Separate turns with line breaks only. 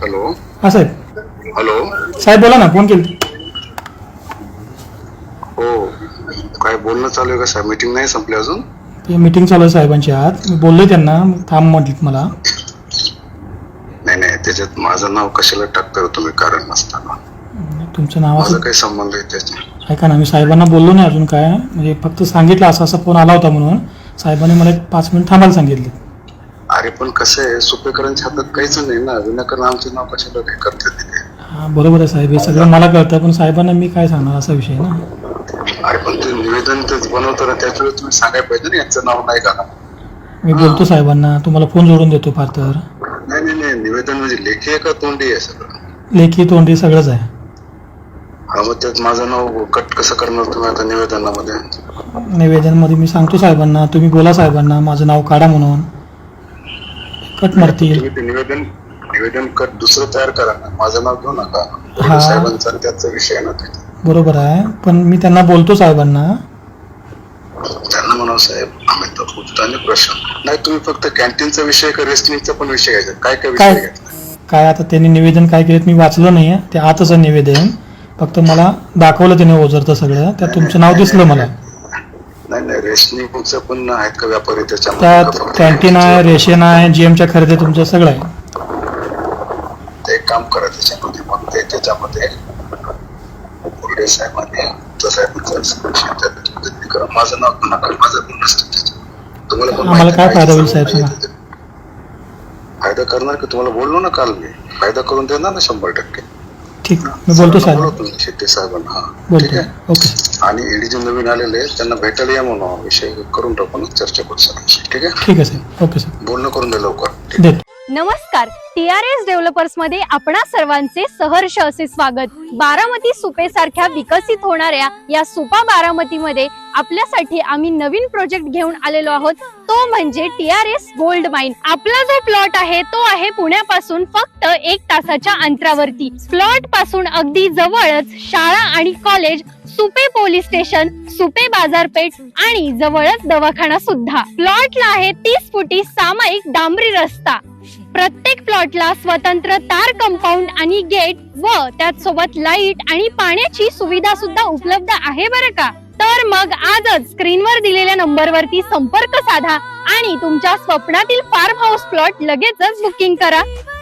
Hello.
हा साहेब.
Hello.
साहेब बोला ना, फोन केली.
हो, काय बोलणं चालू आहे का साहेब? मीटिंग नाही संपली अजून?
ते मीटिंग चालू आहे साहेबांची आज. मी बोललोय त्यांना, थांब म्हटलीत मला.
नाही नाही, त्याच्यात माझं नाव कशाला टाकता तुम्ही कारण नसताना?
तुमच्या
माझा
नावाचं
काही संबंध आहे त्याच्यात?
ऐका ना, मी साहेबांना बोललो नाही अजून काय, म्हणजे फक्त सांगितलं असा असा फोन आला होता म्हणून. साहेबांनी मला 5 मिनिट थांबायला सांगितले.
अरे पण कसं आहे, सुपेकरांच्या हातात काहीच नाही ना, विनाकारण आमचं नाव कशाला काय करतात तिथे?
हा बरोबर आहे साहेब, हे सगळं मला कळतं, पण साहेबांना मी काय सांगणार असा विषय ना.
अरे पण ते निवेदन तेच बनवताना त्याच वेळेस तुम्ही सांगायला पाहिजे ना, यांचं नाव नाही का?
मी बोलतो साहेबांना, तुम्हाला फोन जोडून देतो फार तर.
नाही नाही नाही, निवेदन म्हणजे लेखी आहे का तोंडी आहे सगळं?
लेखी तोंडी सगळंच आहे.
हा, मग त्यात माझं नाव कट कसं करणार तुम्ही आता निवेदनामध्ये?
निवेदनमध्ये मी सांगतो साहेबांना, तुम्ही बोला साहेबांना माझं नाव काढा म्हणून, कट मारतील.
तुम्ही ते निवेदन निवेदन कट दुसरं तयार करा ना, माझं नाव घेऊ नका.
हा.
साहेबांचा त्याचा विषय आहे ना तिथे.
बरोबर आहे, पण मी त्यांना बोलतो साहेबांना.
त्यांना म्हणावं साहेब, आम्ही तर उत्ताने प्रश्न नाही, तुम्ही फक्त कॅन्टीनचा विषय का रेस्टिंगचा पण विषय घ्यायचा? काय काय विषय घ्यायचा?
काय आता त्यांनी निवेदन काय केलं मी वाचलं नाही, ते आतच आहे निवेदन. फक्त मला दाखवलं त्याने ओझरतं सगळं, त्यात तुमचं नाव दिसलं मला.
नाही नाही, रेशनिंगचं पण आहेत का व्यापारी
त्यात
त्याच्यामध्ये?
कॅन्टीन आहे, रेशन आहे, जीएमच्या खरेदी तुमचं सगळं आहे.
ते एक काम करा त्याच्यामध्ये, मग ते त्याच्यामध्ये पुढे साहेबांनी करा, माझं नाव नका, माझं पण नसतं त्याच्यात. तुम्हाला पण
आम्हाला काय फायदा होईल साहेब सांगा?
फायदा करणार की? तुम्हाला बोललो ना काल मी, फायदा करून देणार ना 100%.
ठीक, मी बोलतो साहेब.
शेट्टी साहेबांना. हा
बोलतो.
ठीक आहे.
ओके.
आणि ईडी जे नवीन आलेले त्यांना भेटायला या म्हणून विषय करून टाकू ना, चर्चा करू सर. ठीक आहे.
ठीक आहे साहेब. ओके साहेब.
बोलणं करून दे लवकर.
देतो.
नमस्कार, TRS डेव्हलपर्स मध्ये आपणा सर्वांचे सहर्ष असे स्वागत. बारामती सुपे सारख्या विकसित होणाऱ्या या सुपा बारामतीमध्ये आपल्यासाठी आम्ही नवीन प्रोजेक्ट घेऊन आलेलो आहोत, तो म्हणजे TRS गोल्ड माइन. आपला जो प्लॉट आहे तो आहे पुण्यापासून फक्त 1 तासाच्या अंतरावरती. प्लॉट पासून अगदी जवळच शाळा आणि college, Supe police station, Supe बाजारपेठ आणि जवळच दवाखाना सुद्धा. प्लॉटला आहे 30 फुटी सामायिक डांबरी रस्ता. प्रत्येक प्लॉटला स्वतंत्र तार कंपाऊंड आणि गेट व त्याच सोबत लाईट आणि पाण्याची सुविधा सुद्धा उपलब्ध आहे बरं का. तर मग आजच स्क्रीनवर दिलेल्या नंबरवरती संपर्क साधा आणि तुमच्या स्वप्नातील फार्म हाऊस प्लॉट लगेचच बुकिंग करा.